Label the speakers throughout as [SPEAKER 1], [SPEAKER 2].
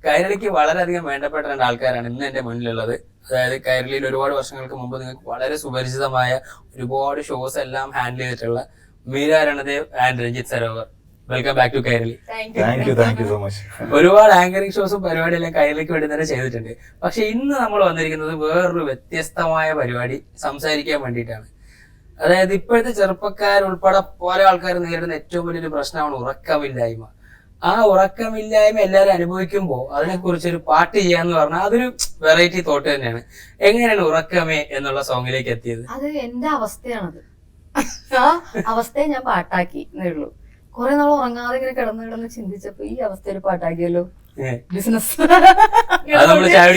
[SPEAKER 1] കൈരളിക്ക് വളരെയധികം വേണ്ടപ്പെട്ട രണ്ട് ആൾക്കാരാണ് ഇന്ന് എന്റെ മുന്നിലുള്ളത്. അതായത് കൈരളിയിൽ ഒരുപാട് വർഷങ്ങൾക്ക് മുമ്പ് നിങ്ങൾക്ക് വളരെ സുപരിചിതമായ ഒരുപാട് ഷോസ് എല്ലാം ഹാൻഡിൽ ചെയ്തിട്ടുള്ള Meera Ranadev and Ranjith Sarovar. Welcome back to Kairali.
[SPEAKER 2] Thank you so much.
[SPEAKER 1] ഒരുപാട് ആങ്കറിംഗ് ഷോസും പരിപാടിയെല്ലാം കൈരളിക്ക് വേണ്ടി തന്നെ ചെയ്തിട്ടുണ്ട്. പക്ഷെ ഇന്ന് നമ്മൾ വന്നിരിക്കുന്നത് വേറൊരു വ്യത്യസ്തമായ പരിപാടി സംസാരിക്കാൻ വേണ്ടിയിട്ടാണ്. അതായത് ഇപ്പോഴത്തെ ചെറുപ്പക്കാരുൾപ്പെടെ പല ആൾക്കാർ നേരിടുന്ന ഏറ്റവും വലിയൊരു പ്രശ്നമാണ് ഉറക്കമില്ലായ്മ. ആ ഉറക്കമില്ലായ്മ എല്ലാവരും അനുഭവിക്കുമ്പോൾ അതിനെക്കുറിച്ച് ഒരു പാട്ട് ചെയ്യാന്ന് പറഞ്ഞാൽ അതൊരു വെറൈറ്റി തോട്ട് തന്നെയാണ്. എങ്ങനെയാണ് ഉറക്കമേ എന്നുള്ള സോങ്ങിലേക്ക് എത്തിയത്?
[SPEAKER 3] അത് എന്റെ അവസ്ഥയാണത്. ആ അവസ്ഥയെ ഞാൻ പാട്ടാക്കി എന്നേ ഉള്ളൂ. കുറെ നാൾ ഉറങ്ങാതെ ഇങ്ങനെ കിടന്ന് ചിന്തിച്ചപ്പോ ഈ അവസ്ഥ ഒരു പാട്ടാക്കിയല്ലോ. ബിസിനസ്
[SPEAKER 1] ഉറങ്ങാതെ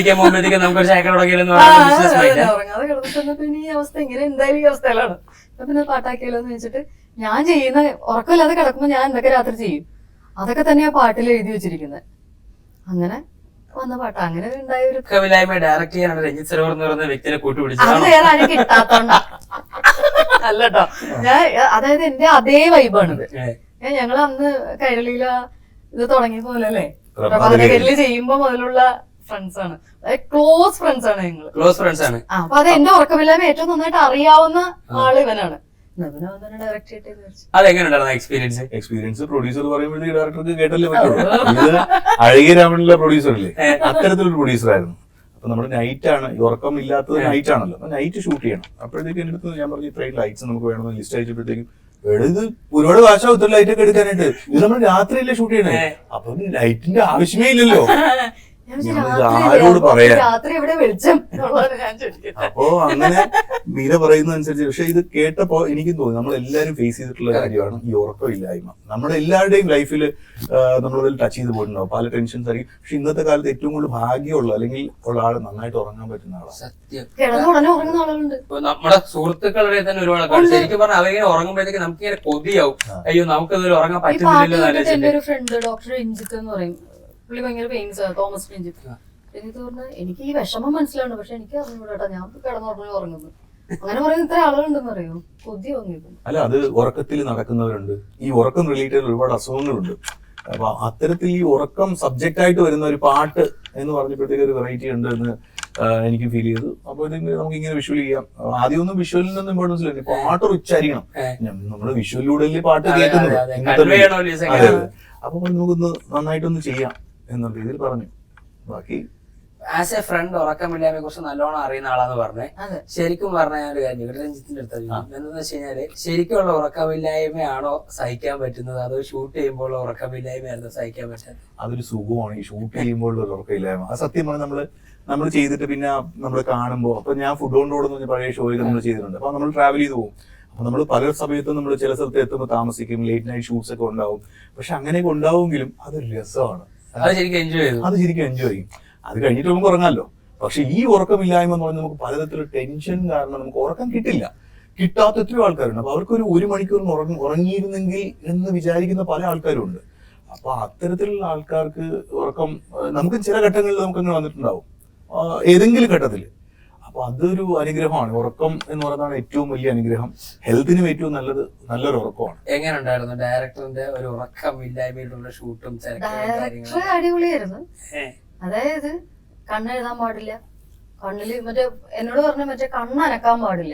[SPEAKER 3] കിടന്നിട്ട് പിന്നെ ഈ അവസ്ഥ ഇങ്ങനെ എന്തായാലും ഈ അവസ്ഥയിലാണ്. അപ്പൊ പിന്നെ പാട്ടാക്കിയല്ലോ എന്ന് വെച്ചിട്ട് ഞാൻ ചെയ്യുന്ന ഉറക്കമില്ലാതെ കിടക്കുമ്പോ ഞാൻ എന്തൊക്കെ രാത്രി ചെയ്യും അതൊക്കെ തന്നെയാ പാട്ടിൽ എഴുതി വെച്ചിരിക്കുന്നത്. അങ്ങനെ വന്ന പാട്ട് അങ്ങനെ ഉണ്ടായ ഒരു
[SPEAKER 1] ഡയറക്ട് ചെയ്യാനാണ് രഞ്ജിത്ത് സരോവർ എന്ന് പറയുന്ന വ്യക്തിനെ കൂട്ടുപിടിച്ചത്.
[SPEAKER 3] അത് വേറെ ആരും കിട്ടാത്തോണ്ടാ അല്ലട്ടോ. ഞാൻ അതായത് എന്റെ അതേ വൈബാണിത്. ഞങ്ങൾ അന്ന് കൈരളിയില ഇത് തുടങ്ങിയ പോലെ അല്ലേ, പ്രഭാതകരില് ചെയ്യുമ്പോ മുതലുള്ള ഫ്രണ്ട്സ് ആണ്, ക്ലോസ് ഫ്രണ്ട്സ് ആണ് ഞങ്ങള്.
[SPEAKER 1] ക്ലോസ് ഫ്രണ്ട്സ് ആണ്.
[SPEAKER 3] അപ്പൊ അത് എന്റെ ഉറക്കമില്ലായ്മ ഏറ്റവും നന്നായിട്ട് അറിയാവുന്ന ആള് ഇവനാണ്.
[SPEAKER 2] എക്സ്പീരിയൻസ് പ്രൊഡ്യൂസർ പറയുമ്പോഴത്തേക്ക് ഡയറക്ടർക്ക് കേട്ടല്ലേ പറ്റുള്ളൂ. ഇത് അഴകിയ രാമനിലെ പ്രൊഡ്യൂസർ അല്ലേ, അത്തരത്തിലൊരു പ്രൊഡ്യൂസർ ആയിരുന്നു. അപ്പൊ നമ്മുടെ നൈറ്റ് ആണ്, ഈ ഇല്ലാത്തത് നൈറ്റ് ആണല്ലോ, അപ്പൊ നൈറ്റ് ഷൂട്ട് ചെയ്യണം. അപ്പോഴത്തേക്ക് എന്റെ അടുത്ത് ഞാൻ പറഞ്ഞു ഇത്രയും ലൈറ്റ്സ് നമുക്ക് വേണമെന്ന് ലിസ്റ്റ് അയച്ചപ്പോഴത്തേക്കും ഇത് ഒരുപാട് കാശാവും ഇത്ര ലൈറ്റ് ഒക്കെ എടുക്കാനായിട്ട്, ഇത് നമ്മൾ രാത്രിയല്ലേ ഷൂട്ട് ചെയ്യണേ, അപ്പൊ ലൈറ്റിന്റെ ആവശ്യമേ ഇല്ലല്ലോ, ആരോട് പറയാ. അപ്പോ അങ്ങനെ മീര പറയുന്ന അനുസരിച്ച്. പക്ഷെ ഇത് കേട്ടപ്പോ എനിക്കും തോന്നി നമ്മളെല്ലാരും ഫേസ് ചെയ്തിട്ടുള്ള കാര്യമാണ് ഈ ഉറക്കമില്ലായ്മ. നമ്മുടെ എല്ലാവരുടെയും ലൈഫിൽ നമ്മളതിൽ ടച്ച് ചെയ്ത് പോയിട്ടുണ്ടാവും, പല ടെൻഷൻസ് ആയിരിക്കും. പക്ഷെ ഇന്നത്തെ കാലത്ത് ഏറ്റവും കൂടുതൽ ഭാഗ്യമുള്ള അല്ലെങ്കിൽ ഉള്ള ആള് നന്നായിട്ട് ഉറങ്ങാൻ പറ്റുന്ന ആളാണ്.
[SPEAKER 1] നമ്മുടെ സുഹൃത്തുക്കളുടെ തന്നെ ഒരുപാട് ആൾക്കാർ ശരിക്കും പറഞ്ഞാൽ അവരിങ്ങനെ ഉറങ്ങുമ്പോഴത്തേക്ക് നമുക്ക് ഇങ്ങനെ കൊതിയാവും, അയ്യോ നമുക്ക് ഉറങ്ങാൻ പറ്റുന്നില്ലല്ലോ.
[SPEAKER 3] ഒരു ഫ്രണ്ട് ഡോക്ടർ രഞ്ജിത്ത് എന്ന് പറയും, പുള്ളി ഭയങ്കര പെയിൻസ് ആണ്, തോമസ് രഞ്ജിത്ത്. രഞ്ജിത്ത് പറഞ്ഞാൽ എനിക്ക് ഈ വിഷമം മനസ്സിലാണ്, പക്ഷെ എനിക്ക് അറിഞ്ഞൂടാ, ഞാൻ കിടന്നുറങ്ങി ഉറങ്ങുന്നു. അങ്ങനെ പറയുന്ന ഇത്ര ആളുകളുണ്ടെന്ന് അറിയോ, കൊതി വന്നിരുന്നു.
[SPEAKER 2] അല്ല, അത് ഉറക്കത്തിൽ നടക്കുന്നവരുണ്ട്, ഈ ഉറക്കം റിലേറ്റഡ് ഒരുപാട് അസുഖങ്ങളുണ്ട്. അപ്പൊ അത്തരത്തിൽ ഈ ഉറക്കം സബ്ജക്റ്റ് ആയിട്ട് വരുന്ന ഒരു പാട്ട് എന്ന് പറഞ്ഞപ്പോഴത്തേക്ക് ഒരു വെറൈറ്റി ഉണ്ട് എന്ന് എനിക്ക് ഫീൽ ചെയ്തു. അപ്പൊ നമുക്ക് ഇങ്ങനെ വിഷ്വൽ ചെയ്യാം. ആദ്യമൊന്നും വിഷ്വലിൽ നിന്നും ഇമ്പോർട്ടൻസ് ഇല്ല, പാട്ട് ഉച്ചാരിക്കണം. നമ്മള് വിഷ്വലിലൂടെ പാട്ട് കേൾക്കുന്നത്. അതെ, അപ്പൊ നമുക്കൊന്ന് നന്നായിട്ടൊന്ന് ചെയ്യാം എന്നുള്ള രീതിയിൽ പറഞ്ഞു. ബാക്കി
[SPEAKER 1] ആസ് എ ഫ്രണ്ട് ഉറക്കമില്ലായ്മയെ കുറിച്ച് നല്ലോണം അറിയുന്ന ആളാന്ന് പറഞ്ഞേ. ശരിക്കും പറഞ്ഞ ഞാൻ ഒരു കാര്യം രഞ്ജിത്തിന്റെ അടുത്ത് എന്താന്ന് വെച്ച് കഴിഞ്ഞാല് ശരിക്കുള്ള ഉറക്കമില്ലായ്മയാണോ സഹിക്കാൻ പറ്റുന്നത്, അതോ ഷൂട്ട് ചെയ്യുമ്പോൾ ഉറക്കമില്ലായ്മയായിരുന്നു സഹിക്കാൻ പറ്റുന്നത്?
[SPEAKER 2] അതൊരു സുഖമാണ് ഈ ഷൂട്ട് ചെയ്യുമ്പോൾ ഒരു ഉറക്കമില്ലായ്മ. അത് സത്യം പറഞ്ഞാൽ നമ്മൾ ചെയ്തിട്ട് പിന്നെ നമ്മൾ കാണുമ്പോൾ, അപ്പൊ ഞാൻ ഫുഡ് കൊണ്ടോടെന്ന് പറഞ്ഞ പഴയ ഷോയിൽ നമ്മൾ ചെയ്തിട്ടുണ്ട്. അപ്പൊ നമ്മൾ ട്രാവൽ ചെയ്ത് പോകും. അപ്പൊ നമ്മൾ പല സമയത്തും നമ്മൾ ചില സ്ഥലത്ത് എത്തുമ്പോൾ താമസിക്കും, ലേറ്റ് നൈറ്റ് ഷൂട്ട്സ് ഒക്കെ ഉണ്ടാവും. പക്ഷെ അങ്ങനെയൊക്കെ ഉണ്ടാവുമെങ്കിലും അതൊരു രസമാണ്,
[SPEAKER 1] അത് ശരിക്കും
[SPEAKER 2] എൻജോയ് ചെയ്യും. അത് കഴിഞ്ഞിട്ട് നമുക്ക് ഉറങ്ങാമല്ലോ. പക്ഷെ ഈ ഉറക്കമില്ലായ്മ എന്ന് പറഞ്ഞാൽ നമുക്ക് പലതരത്തിലുള്ള ടെൻഷൻ കാരണം നമുക്ക് ഉറക്കം കിട്ടില്ല. കിട്ടാത്ത എത്രയോ ആൾക്കാരുണ്ട്. അപ്പൊ അവർക്കൊരു 1 മണിക്കൂറിന് ഉറങ്ങിയിരുന്നെങ്കിൽ എന്ന് വിചാരിക്കുന്ന പല ആൾക്കാരും ഉണ്ട്. അപ്പൊ അത്തരത്തിലുള്ള ആൾക്കാർക്ക് ഉറക്കം നമുക്ക് ചില ഘട്ടങ്ങളിൽ നമുക്കങ്ങനെ വന്നിട്ടുണ്ടാവും, ഏതെങ്കിലും ഘട്ടത്തിൽ. അപ്പൊ അതൊരു അനുഗ്രഹമാണ്. ഉറക്കം എന്ന് പറയുന്നതാണ് ഏറ്റവും വലിയ അനുഗ്രഹം. ഹെൽത്തിനും ഏറ്റവും നല്ലൊരു ഉറക്കമാണ്.
[SPEAKER 1] എങ്ങനെ ഉണ്ടായിരുന്നു ഡയറക്ടറിന്റെ ഒരു ഉറക്കമില്ലായ്മയിലുള്ള ഷൂട്ടും?
[SPEAKER 3] ഡയറക്ടർ അടിപൊളിയായിരുന്നു. അതായത് കണ്ണെഴുതാൻ പാടില്ല, കണ്ണില് എന്നോട് പറഞ്ഞ കണ്ണനക്കാൻ പാടില്ല.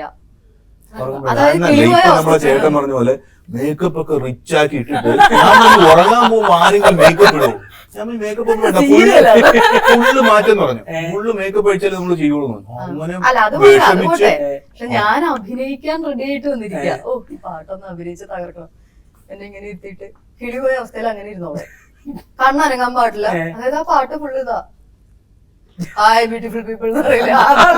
[SPEAKER 2] നമ്മളെ ചേട്ടൻ പറഞ്ഞ പോലെ മേക്കപ്പ് ഒക്കെ റിച്ച് ആക്കി ഇട്ടിട്ട് ഉറങ്ങാൻ പോകുമ്പോ ആരെങ്കിലും മേക്കപ്പ് ഇടും. ഞാൻ മേക്കപ്പ് ഒന്നും വേണ്ട, ഫുള്ള് മാറ്റം പറഞ്ഞു, ഫുള്ള് മേക്കപ്പ് അടിച്ചാലേ നമ്മൾ ചെയ്യുള്ളൂ. അങ്ങനെ
[SPEAKER 3] പക്ഷെ ഞാൻ അഭിനയിക്കാൻ റെഡി ആയിട്ട് വന്നിരിക്കുക. ഓ, ഈ പാട്ടൊന്ന് അഭിനയിച്ച് തകർക്കണം എന്നെ ഇങ്ങനെ ഇരുത്തിയിട്ട് കിളിപോയ അവസ്ഥയിൽ അങ്ങനെ ഇരുന്നോളെ. കണ്ണനങ്ങാൻ പാടില്ല. അതായത് ആ പാട്ട് ഫുള്ള് ഇതാ, ഹായ് ബ്യൂട്ടിഫുൾ പീപ്പിൾ എന്ന് പറയില്ല,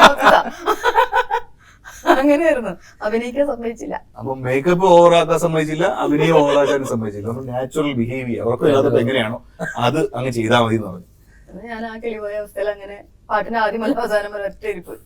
[SPEAKER 3] അങ്ങനെയായിരുന്നു. അഭിനയിക്കാൻ സമ്മതിച്ചില്ല.
[SPEAKER 2] അപ്പൊ മേക്കപ്പ് ഓവറാക്കാൻ സമ്മതിച്ചില്ല, അഭിനയം ഓവറാക്കാൻ സമ്മതിച്ചില്ല. നമ്മൾ നാച്ചുറൽ ബിഹേവിയർ അവർക്ക് ഇല്ലാത്തപ്പോ എങ്ങനെയാണോ അത് അങ്ങ് ചെയ്താൽ മതി എന്ന് പറഞ്ഞു.
[SPEAKER 3] ഞാൻ ആ കിളിപോയ അവസ്ഥയിൽ അങ്ങനെ പാട്ടിന് ആദ്യം അവസാനം വരെ ഒറ്റ ഇരിപ്പ്.